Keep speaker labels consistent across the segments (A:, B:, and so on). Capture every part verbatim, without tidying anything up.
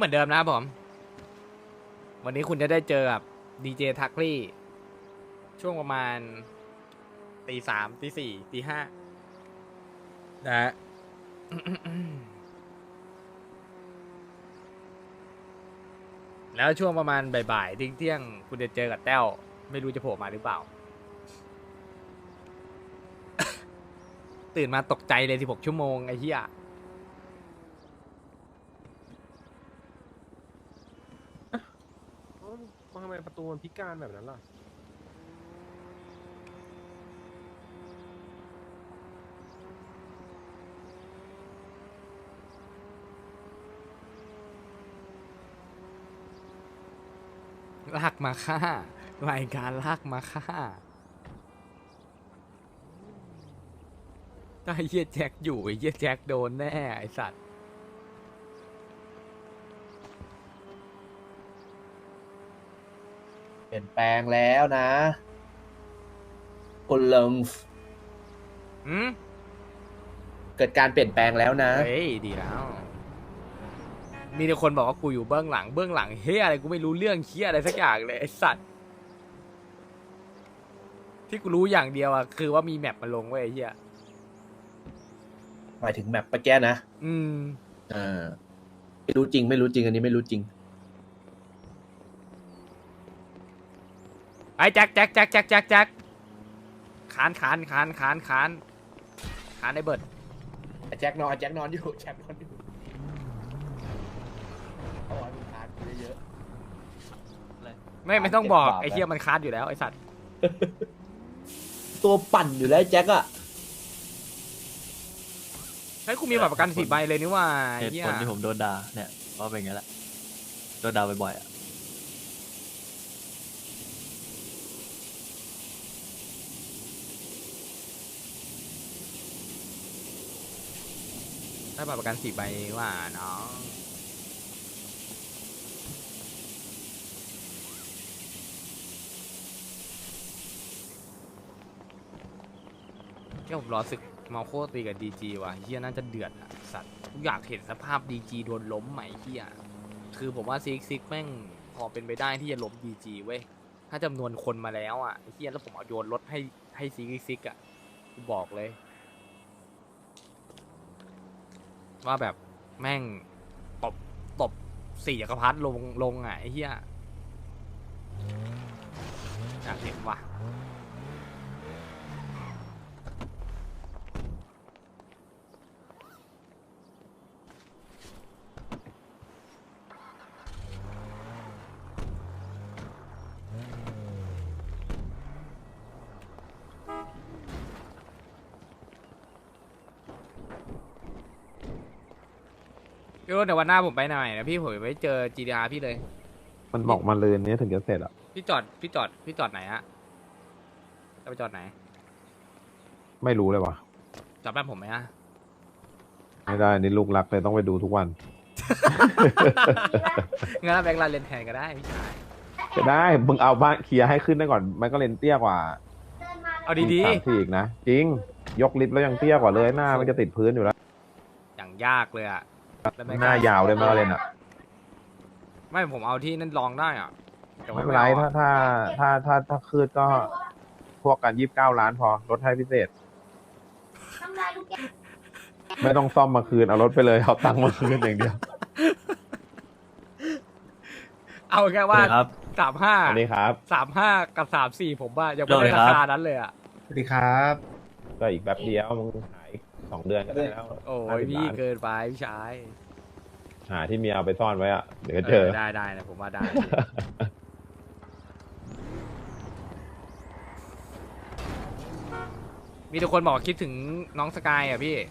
A: เหมือนเดิมนะครับผมวันนี้คุณจะได้เจอกับดีเจทักลี่ช่วงประมาณตีสามตีสี่ตีห้านะฮะ แล้วช่วงประมาณบ่ายๆเที่ยงๆคุณจะเจอกับแต้วไม่รู้จะโผล่มาหรือเปล่า ตื่นมาตกใจเลยสิบหกชั่วโมงไอ้เหี้ย
B: ทำไมประตูมันพิการแบบนั้นล่ะ
A: ลากมาฆ่ารายการลากมาฆ่าถ้าไอ้เหี้ยแจ็คอยู่ไอ้เหี้ยแจ็คโดนแน่ไอ้สัตว์
C: เปลี่ยนแปลงแล้วนะคุณเลิง
A: อืม
C: เกิดการเปลี่ยนแปลงแล้วนะ
A: เฮ้ยดีแล้ว มีแต่คนบอกว่ากูอยู่เบื้องหลังเบื้องหลังเฮียอะไรกูไม่รู้เรื่องเฮียอะไรสักอย่างเลยไอ้สัตว์ที่กูรู้อย่างเดียวอะคือว่ามีแมปมาลงไว้ไอ้เฮีย
C: หมายถึงแมปปะแก้นะ
A: อืม
C: อ่าไม่รู้จริงไม่รู้จริงอันนี้ไม่รู้จริง
A: ไอ้แจ็คแจ็คแจ็คแจ็คแจ็คแจ็คขานขานขานขานขานขานไอ้เบิร์ด
C: แจ็คนอนแจ็คนอนอยู่แจ็คนอนอยู่เอาไว้มึงทานกูเยอะ
A: ไม่ไม่ต้องบอก
C: เจ็บปาก
A: ไอ้เฮียมันคานอยู่แล้วไอ้สัตว์
C: ๆตัวปั่นอยู่แล้วแจ็คอะ
A: ไอ้ยกูมีบัตรประกันสี่ใบเลยนี่ว่า
D: เห
A: ไอ้
D: ตุ
A: เฮีย
D: ผลที่ผมโดนด่าเนี่ยเพราะเป็นอย่างนี้แหละโดนด่าบ่อยๆอ่ะ
A: ได้บัตรประกันสี่ใบว่าน้องแค่ผมรอศึกมาโคตีกับดีจีว่ะเฮียน่าจะเดือดอะสัตว์กูอยากเห็นสภาพดีจีโดนล้มไหมเฮียคือผมว่าซิกซิกแม่งพอเป็นไปได้ที่จะล้มดีจีเว้ยถ้าจำนวนคนมาแล้วอ่ะไอ้เฮียแล้วผมเอาโยนรถให้ให้ซิกซิกอ่ะกูบอกเลย ว่าแบบแม่งตบตบสี่จักรพรรดิลงลงอ่ะไอ้เหี้ยอยากเห็นว่ะพี่รุ่นเดี๋ยววันหน้าผมไปหน่อยนะพี่ผมไปเจอ จี ดี อาร์ พี่เลย
B: มันบอกมาเลยนี้ถึงจะเสร็จอ่ะ
A: พี่จอดพี่จอดพี่จอดไหนฮะจะไปจอดไหน
B: ไม่รู้เลยว่ะ
A: จอดบ้านผมไหมฮะ
B: ไม่ได้นี่ลูกรักเลยต้องไปดูทุกวัน
A: งั้นแบงค์ลาเลนแทนก็ได้พี่ชาย
B: จะได้มึงเอาบ้านเคลียร์ให้ขึ้นได้ก่อนมันก็เลนเตี้ยกว่า
A: เอาดี
B: สามสี่อีกนะจริงยกลิฟต์แล้วยังเตี้ยกว่าเลยหน้ามันจะติดพื้นอยู่แล้ว
A: ๆอย่างยากเลยอ่ะแล้วแง
B: หน้ายาวเลยมันก็เลนอ่ะ
A: ไม่ผมเอาที่นั่นลองได้อ่ะแต่ว่า
B: ไม่เป็นไร
A: อา
B: ถ้า
A: อะ
B: ถ้าถ้าถ้าถ้าคืนก็พวกกันยี่สิบเก้าล้านพอลดให้พิเศษ ไม่ต้องซ่อมมาคืนเอารถไปเลยเอาตังค์มาคืนอย่างเดียว
A: เอาแค่ว่า
D: สวัสดีครับ
A: สามห้า
B: สวัสดีครับ
A: สามห้ากับสามสี่ผมว่ายังไม่
D: สวัสดี
A: ได้
D: ครั
A: รา
D: บ
A: คานั้นเลยอ่ะ
E: สวัสดีครับ
B: ก็อีกแบบเดียวมึงหายสองเดือนก็ได้แล้ว
A: โอ้
B: ห้าย สิบ
A: พี่
B: ล้าน
A: เกินไปพี่ชาย
B: หาที่เมียเอาไปซ่อนไว้อะเดี๋ยวก็เจอ
A: ได้ได้นะผมว่าได้ มีทุกคนบอกคิดถึงน้องสกายอ่ะพี่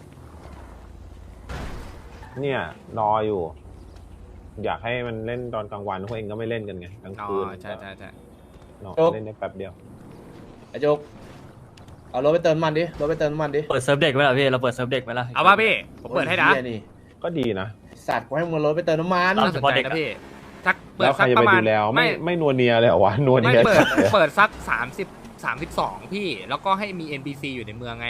B: เนี่ยรออยู่ อยากให้มันเล่นตอนกลางวันพวกเองก็ไม่เล่นกันไงกลาง
A: อ๋อ
B: คืน
A: ใช่ใช่ใช่
B: เนาะ
C: โจ๊ก
B: เล่นได้แป๊บเดียว
C: ไอ้โจ๊กเอารถไปเติมน้ำมันดิรถไปเติมน้ำมันดิ
D: เปิดเซิร์ฟเด็กไหมล่ะพี่เราเปิดเซิร์ฟเด็กไหมล่ะ
A: เอาว่าพี่ ผมเปิดให้นะ
C: โอ้ยหี้ยนี่
B: ก็ดีนะ
C: สัตว์กูให้มึงรถไปเติมน้ำมัน
A: น่าสนใจนะพี่สักเปิด
B: แล้วใคร
A: สัก
B: จะ
A: ป
B: ไประ
A: มา
B: ดู
A: ณ
B: แล้วไม่
A: ไม่
B: ไม่นัวเนียเลยเหรอวะนัว
A: ไม่
B: เนีย
A: เปิด
B: จัดเลย
A: เปิดสักสามสิบสามสิบสองพี่ แล้วก็ให้มี เอ็น พี ซี อยู่ในเมืองไง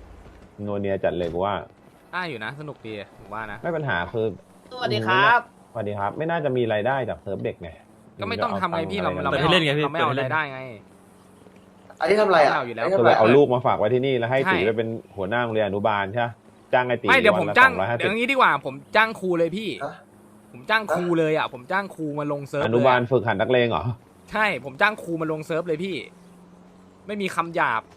B: นัวเนียจัดเลยกูว่า
A: ได้อยู่นะ สนุกดีผมว่านะ
B: ไม่ปัญหาคือ
C: สวัสดีครับ
B: สวัสดีครับ ไม่น่าจะมีรายได้จากเซิร์ฟเด็กไง
A: ก็ไม่ต้องทำไงพี่เรา
B: อะ
A: เรา
B: ไป
A: ไม่
B: ทำ
A: เอา
D: เล่นไงพี่
A: เราไม่เอา
D: เปิดให้เล่
A: ราน ยได้ไง
C: อันนี้ทำอะไรอ่ะ
A: เอาอยู่แล้ว
C: นนี้
B: ก็
C: ทำ
B: เล
C: อะไร
B: ยเอาลูกมาฝากไว้ที่นี่แล้วให้
A: ใช่
B: ตีไปเป็นหัวหน้าโรงเรียนอนุบาลใช่ไหมจ้างไอตี
A: ไม่เดี๋ยวผมจ้าง
B: วันละ
A: เดี๋ยว
B: สองร้อยห้าสิบ
A: งี้ดีกว่า ผมจ้างครูเลยพี่
C: ฮะ
A: ผมจ้างครูเลยอ่ะผมจ้างครูมาลงเซิร์ฟ
B: อ
A: เลย
B: นุบาล
A: อะ
B: ฝึกหัดนักเลงเหรอ
A: ใช่ผมจ้างครูมาลงเซิร์ฟเลยพี่ ไม่มีคำหยาบ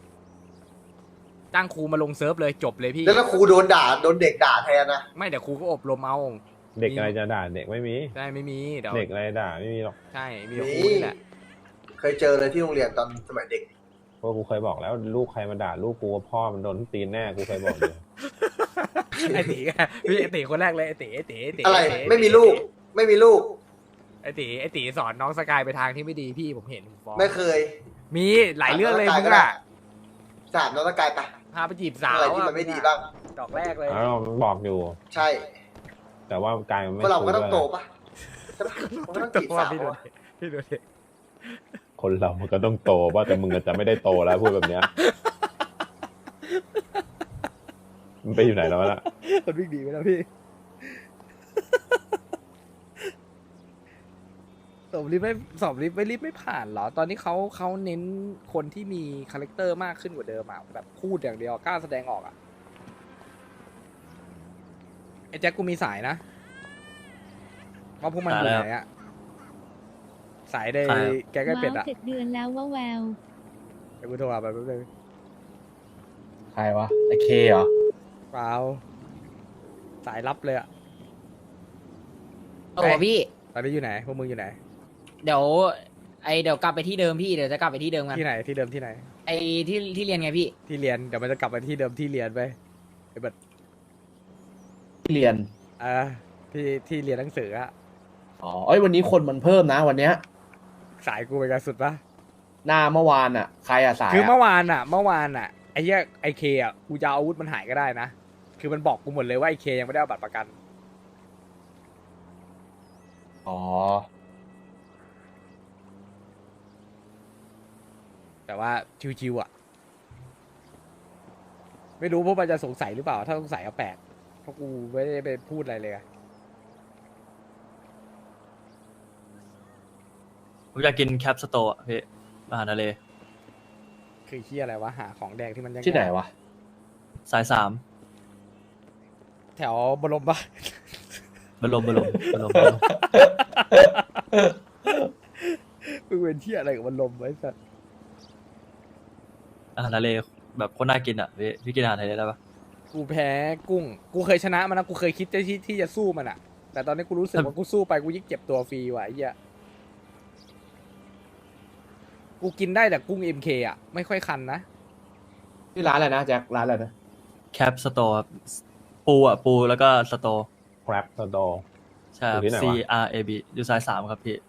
A: จ้างครูมาลงเซิร์ฟเลยจบเลยพี่
C: แล้วถ้าครูโดนด่าโดนเด็กด่าแทนนะ
A: ไม่เดี๋ยวครูก็อบรมเอา
B: เด็กอะไรจะด่าเด็กไม่มี
A: ใช่ไม่มีเดี๋ยว
B: เด็กอะไรด่าไม่มีหรอก
A: ใช่มีแต่ครูนี่แหละ
C: เคยเจอเลยที่โรงเรียนตอนสมัยเด็ก
B: เพราะกูเคยบอกแล้วลูกใครมาด่าลูกกูว่าพ่อมันโดนตีนแน่กูเคยบอกอยู่
A: ไอตีพี่ไอตีคนแรกเลยไอตีไอตีไอตี
C: อะไร
A: อ้ตี
C: ไม่มีลูก ไม่มีลูก
A: ไอตีไอตีสอนน้องสกายไปทางที่ไม่ดีพี่ผมเห็นผมฟ้อง
C: ไม่เคย
A: มีหลายเรื่องเลย
C: สาม
A: มึง
C: ก็ได้
A: อะ
C: สามน้องตะกายไป
A: พาไปจีบสาว
C: อะไรที่มันไม่ดีบ้าง
A: ดอกแรกเลย
B: อ้าวมันบอกอยู่
C: ใช่
B: แต่ว่ากายมันไม่
C: เพราะเราก็
B: คุย
C: ต้อง
B: ด้วย
C: โตปะใช่ปะมันก็ต้องจีบสาว
A: พี่ดู
C: อะ
A: ดิพี่ดูดิ
B: คนเรามันก็ต้องโตว่าแต่มึงอาจจะไม่ได้โตแล้วพูดแบบเนี้ยมันไปอยู่ไหนแล้วล่ะ
A: มันวิ่งดีไปแล้วพี่สอบรีบไม่สอบรีบไม่รีบไม่ผ่านเหรอ ตอนนี้เขาเขาเน้นคนที่มีคาแรคเตอร์มากขึ้นกว่าเดิมอ่ะแบบพูดอย่างเดียวกล้าแสดงออกอ่ะไอ้แจ็คกูมีสายนะว่าพวกมันอยู่ไหนอ่ะสายใน
D: ใครอะ
A: แกงไก่เป็ดอ่ะ
E: ว้าวเจ็ดเดือนแล้วว่าแวว
A: เดี๋ยวกูโทรหาไปแป๊บนึง
C: ใครวะไอเคเหรอ
A: เปล่าสายลับเลยอ่ะ
F: โอ้โหพี่
A: ตอนนี้อยู่ไหนพวกมึงอยู่ไหน
F: เดี๋ยวไอเดี๋ยวกลับไปที่เดิมพี่เดี๋ยวจะกลับไปที่เดิมกัน
A: ที่ไหนที่เดิมที่ไหน
F: ไอที่ที่เรียนไงพี่
A: ที่เรียนเดี๋ยวมันจะกลับไปที่เดิมที่เรียนไปไอ้บัด
C: ที่เรียน
A: อ่าที่ที่เรียนหนังสืออะ
C: อ๋อเอ้ยวันนี้คนมันเพิ่มนะวันเนี้ย
A: สายกูเป็นการสุดปะ
C: หน้าเมื่อวานอ่ะ ใครอ่ะสาย
A: คือ
C: อะ
A: เมื่อวานอะเมื่อวานอะไอ้เหี้ยไอเคอะกูจะเอาอาวุธมันหายก็ได้นะคือมันบอกกูหมดเลยว่าไอเคยังไม่ได้เอาบัตรประกัน
C: อ๋อ
A: แต่ว่าชิวๆอะไม่รู้พวกมันจะสงสัยหรือเปล่า ถ้าสงสัยเอาแปลกเพราะกูไม่ได้ไปพูดอะไรเลยอะ
D: ผมอยากกินแคปสโตร์อะพี่อาหารทะเล
A: คือเหี้ยอะไรวะหาของแดงที่มันยัง
C: ที่ไหนวะ
D: สายสาม
A: แถวบรมปะ
D: บรมบรมบรมบรม
A: มึงเป็นเหี้ยอะไรกับบรมไว้สัส
D: อาหารทะเลแบบโคตรน่ากินอ่ะพี่พี่กินอาหารทะเลได้ปะ
A: กูแพ้กุ้ง กูเคยชนะมันนะ กูเคยคิดจะที่ที่จะสู้มันอะแต่ตอนนี้กูรู้สึกว่ากูสู้ไปกูยิ่งเจ็บตัวฟรีว่ะไอ้เหี้ย กูกินได้แต่กุ้ง เอ็ม เค อ่ะ ไม่ค่อยคันนะ
C: ที่ร้านอะไรนะแจ็คร้านอะไรนะ
D: แคปสโตร์ครับปูอ่ะปูแล้วก็สโตร์
B: ครับสโต
D: ใช่ครับ
B: อยู่ที่ไหน
D: C
B: วะ
D: R A B อยู่สายสามครับพี่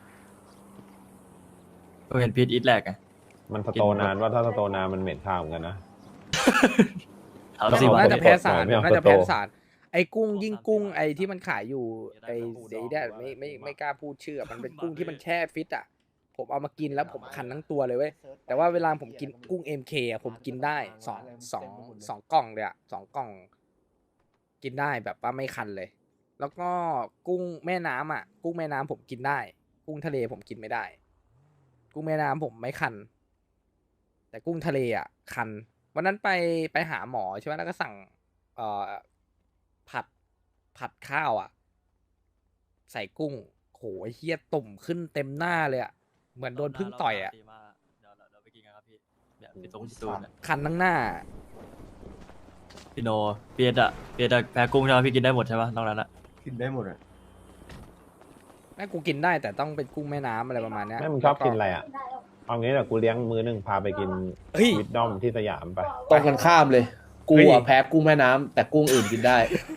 D: ก็เห็นพีทอีทแรกไง
B: มันสโตนานว่าถ้าสโตนานมันเหม็นข้าวเหมือนกันนะ
D: ถาม
B: ต้อง
D: สิ
B: เอา
D: ว่า
A: น่าจะแพ้สาร
B: ไม่เอา
A: น่าจะ
B: โต
A: แพ้สาร ไอ้กุ้งยิ่งกุ้งไอ้ที่มันขายอยู่ไอ้ไอ้เนี่ยไม่ไม่ไม่กล้าพูดชื่ออะมันเป็นกุ้งที่มันแช่ฟิตอ่ะ ผมเอามากินแล้วผมคันทั้งตัวเลยเว้ย แต่ว่าเวลาผมกินกุ้ง เอ็ม เค อ่ะผมกินได้สองสองสองกล่องเลยอ่ะสองกล่อง กินได้แบบว่าไม่คันเลย แล้วก็กุ้งแม่น้ำอ่ะ กุ้งแม่น้ำผมกินได้ กุ้งทะเลผมกินไม่ได้ กุ้งแม่น้ำผมไม่คัน แต่กุ้งทะเลอ่ะ คัน วันนั้นไปไปหาหมอใช่ไหมแล้วก็สั่ง เอ่อผัดผัดข้าวอ่ะ ใส่กุ้งโหไอ้เฮียตุ่มขึ้นเต็มหน้าเลยอ่ะ เหมือนโดนพึ่งต่อยอ่ะ
D: เดี๋ยวเราเราไปกินกันครับพี่เนี่ยพี่ตรงพี่ตูนอะ
A: คันทั้งหน้า
D: พี่โนเปียดอะเปียดอะแพ้กุ้งใช่ไหมพี่กินได้หมดใช่ปะนอกนั้นอะ
C: กินได้หมดอ่ะ
A: แม่กูกินได้แต่ต้องเป็นกุ้งแม่น้ำอะไรประมาณเนี้ย
B: แม่มึงชอบกินอะไรอ่ะ เอางี้แหละกูเลี้ยงมือหนึ่งพาไปกิน
A: เฮ้ย
B: วิดดอมที่สยามไป
C: ตรงกันข้ามเลย กู
A: เฮ้
C: อ่ะ
A: ย
C: แพ้กุ้งแม่น้ำแต่กุ้งอื่นกินได้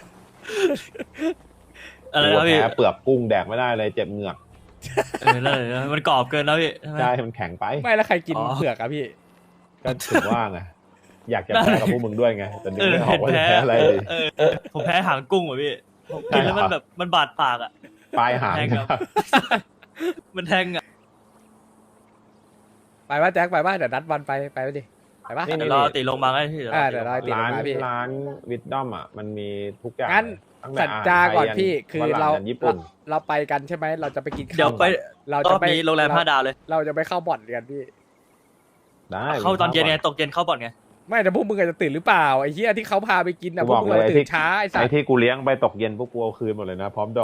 D: อะไร
B: กู
D: นะพี่
B: แพ้เปลือกกุ้งแดกไม่ได้เลยเจ็บเหงือก
D: เออนั่นเลยนะมันกรอบเกินนะพี่ใช่ไหม
B: ใช่มันแข็งไป
A: ไม่แล้วใครกิน
D: อ๋อ
A: เผือกอะพี่
B: ก็ถึงว่าไง อยากจะแพ้กับพวกมึงด้วยไง แต่นึก
D: เออ
B: ไม่ออกว่าจะ
D: เห็นแพ้
B: แพ้อะไรดี
D: เออเออผมแพ้หางกุ้งว่ะพี่ผมกินแล้วมันแบบมันบาดปากอะ
B: ปลายหาง
D: แทงครับ มันแทงอะ
A: ไปว่าแจ็คไปว่าเดี๋ยวนัดวันไปไปไปดิไปปะ
B: นี่
D: เดี๋ยวรอติลงมาไงพี่เดี๋ยวร
A: อ่า
D: อ
A: เดี๋ยวรอ
D: ติลง
A: ติ
D: มา
B: ร้าน
A: มาพี่
B: ร้านวิดดอมอ่ะ มันมีทุกอย่าง
A: งั้น
B: ตั้งแต่
G: สัจจาก่อน
B: อาหารไทยยัน
F: พี่คือ
B: ฝรั่ง
F: เรา
B: ยันญี่ปุ่น
F: เราไปกันใช่ไหมเราจะไปกินข้าว
D: เดี๋ยวไป
F: เรา
D: ร
F: จะ
D: อบ
F: ไป
D: นี้โรงแรมห้าดาวเลย
F: เราจะไปเข้าบ่อนกันพี่
B: ได้
D: เข้าตอนเย็นไง
B: ก่
D: ตกเย็นเข้าบ่อนไง
F: ไม่แต่พวกมึงอาจจะตื่นหรือเปล่าไอ้เหี้ยที่เขาพาไปกินนะ
B: กู
F: พว
B: บอก ก
F: มึง
B: เลย
F: อาจจะ
B: ไอ้
F: ตื่
B: ที่
F: นช้าไอ้สั
B: ไอ้
F: ส
B: ที่กูเลี้ยงไปตกเย็นพวกกูเอาคืนหมดเลยนะพร้อมดอก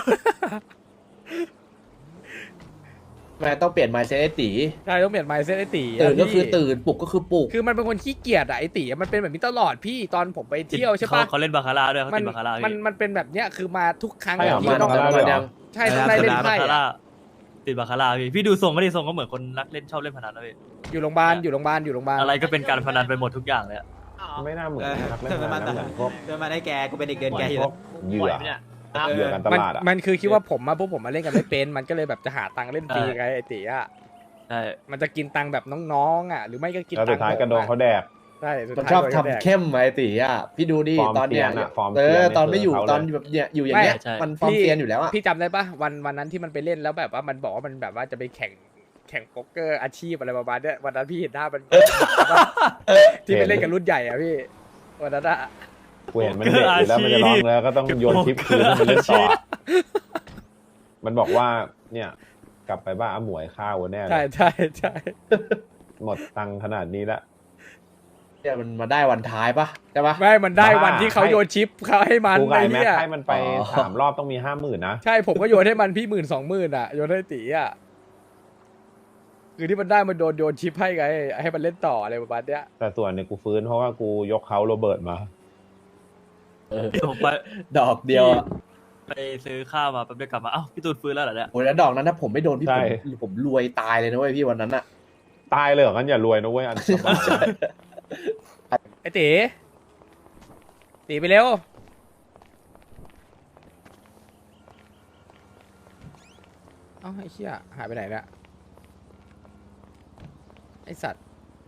C: แม่ต้องเปลี่ยน mindset ไอ้ตี
F: ใช่ต้องเปลี่ยนไมซ์เซตไอ้ตี
C: ตื่นก็คือ
F: พี่
C: ตื่นปลุกก็คือปลุก
F: คือมันเป็นคนขี้เกียจอะไอ้ตีมันเป็นแบบนี้ตลอดพี่ตอนผมไปเที่ยวใช่ปะ
D: เขาเขาเล่นบาคาร่าด้วยเขา
F: มัน
D: ติดบาคาร่า
F: มัน
D: พี่
F: มันเป็นแบบเนี้ยคือมาทุกครั้ง
B: ใช่เหรอ
F: ที่ต้อง
B: มา
C: มายัง
F: ใช่ต้องได้เล่นไพ่
D: บาคาร่า
F: อะ
D: ติดบาคาร่าพี่พี่ดูทรงไม่ได้ทรงก็เหมือนคนรักเล่นชอบเล่นพนันนะพี่
F: อยู่โรงพยาบาลอยู่โรงพยาบาลอยู่โรงพยาบาล
D: อะไรก็เป็นการพนันไปหมดทุกอย่างเลยอะ
B: ไม่น่าเหมือน
E: เออ
B: นักเล่นพนันนะเหมือนพวก
E: เดินมาได้แกกูเป็นเด็กเดิน
B: เหมื
E: แก
B: อน
E: อยู่
B: พวกเหยื่อเหยื่อการต
F: มัน
B: ลาดอ่ะ
F: มันคือคิดว่าผมมาพวกผมมาเล่นกันไม่เป็นมันก็เลยแบบจะหาตังค์เล่นฟรีไงไอ้ตีอะ
D: ใช่
F: มันจะกินตังค์แบบน้องๆอ่ะหรือไม่ก็กิน
B: แล้ว
F: ตั
B: สุ
F: ง
B: ด
F: ค์
B: ท้ายกระโดงเขาแดก
F: ใช่สุด
C: มัน
F: ท้าย
C: ชอบ
F: โดน
C: ทำ
F: แดก
C: เข้มไอ้ตีอ่ะพี่ดูดิ
B: ฟอร์ม
C: ตอนเนี้ย
B: เซียนอะฟอร์ม
C: เอ
B: เซีย
C: อน ตอนไม่อยู่
B: คือเขาเลย
C: ตอนแบบเนี่ยอยู่อย่างเงี้ยมันฟอร์มเซียนอยู่แล้วอ่ะ
F: พี่จำได้ปะวันวันนั้นที่มันไปเล่นแล้วแบบว่ามันบอกว่ามันแบบว่าจะไปแข่งแข่งโป๊กเกอร์อาชีพอะไรประมาณเนี้ยวันนั้นพี่เห็นหน้ามัน ที่ไปเล่นกับรุ่นใหญ่อ่ะพี่วันนั้นอะ
B: กูเห็นมันเด็กอยู่แล้วมันจะร้องแล้วก็ต้องโยนคลิปคืนให้มันเล่นต่อ มันบอกว่าเนี่ย กลับไปบ้านอาหมวยข้าวแน่เล
F: ใช่
B: ย
F: ใช่ใช่
B: หมดตังค์ขนาดนี้ละ
C: เนี่ยมันมาได้วันท้ายปะใช่ปะ
F: ไม่มันได้
B: บ้า
F: วันที่เขาโยนชิปเขาให้มัน
B: กูไก่
F: ไอ้
B: แม็ก
F: เนี่ย
B: ให้มันไป
C: อ๋อ
B: สามรอบต้องมีห้าหมื่นนะ
F: ใช่ผมก็โยนให้มันพี่หมื่นสองหมื่นอ่ะโยนให้ตีอ่ะคือที่มันได้มันโดนโยนชิปให้ไงให้มันเล่นต่ออะไรประมาณเนี้ย
B: แต่ส่วนเนี่ยกูฟื้นเพราะว่ากูยกเขาโรเบิร์ตมา
C: เออ
D: ผมไป
C: ดอกเดียวอ่ะ
D: ไปซื้อข้าวมาแป๊บเดียวกลับมาเอ้าพี่ตูนฟื้นแล้วเหรอเนี่ย
C: โอ้ยแล้วดอกนั้นถ้าผมไม่โดนพี่
B: ใช่
C: ผมผมรวยตายเลยนะเว้ยพี่วันนั้นอ่ะ
B: ตายเลยเหรองั้นอย่ารวยนะเว้ยอันสบาย
F: ไอ้ตีตีไปเร็วเอ้าไอ้เหี้ยหายไปไหนเนี่ยไอ้สัตว์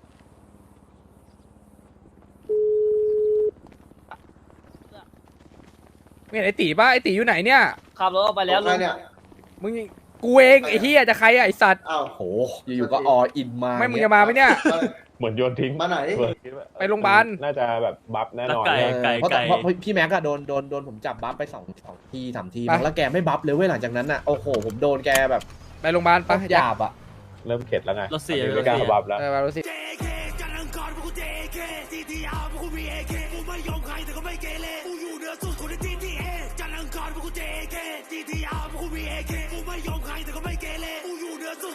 F: ไม่เห็นไอ้ตีป่ะไอ้ตีอยู่ไหนเนี่ย
D: ขับรถออกไปแล้วลุง
F: มึงกูเองไอ้เหี้ยจะใครอะไอ้สัตว์
H: อ้าว
C: โหอยู่ๆก็ออินมา
F: ไม่มึงจะมาไหมเนี่ย
B: เหมือนโยนทิ้ง
H: มาไหน
B: เบิร์ดคิดว่า
F: ไปโรงพยาบาล
B: น่าจะแบบบัฟแน่นอน
D: แล้วไก่
C: เออ
D: ไก่
C: เพราะ
D: ไก่
C: เพราะพี่แม็กอะโดนโดนโดนผมจับบัฟไปสองสองทีสามที
F: ไป
C: มั้งแล้วแกไม่บัฟเลยเว้ยหลังจากนั้นอะโอ้โหผมโดนแกแบบ
F: ไปโรงพยาบาล
C: ป
F: ปะ
C: หยาบอะ
B: เริ่มเข็ดแล้วไง
D: รถเสีย
B: ไม่กล้าร
D: ถเสีย
B: บัฟแล้ว
F: เออมาดูสิ
I: จันทร์อังคารพวกกู เจ เค ซี ที อาร์ พวกกู วี เอ เค กูไม่ยอมใครแต่ก็ไม่เกเรกูอยู่เหนือสุดคนใน จี ที เอ จันทร์อังคารพวกกู เจ เค ซี ที อาร์ พวกกู วี เอ เค กูไม่ยอมใครแต่ก็ไม่เกเรกูอยู่เหนือสุด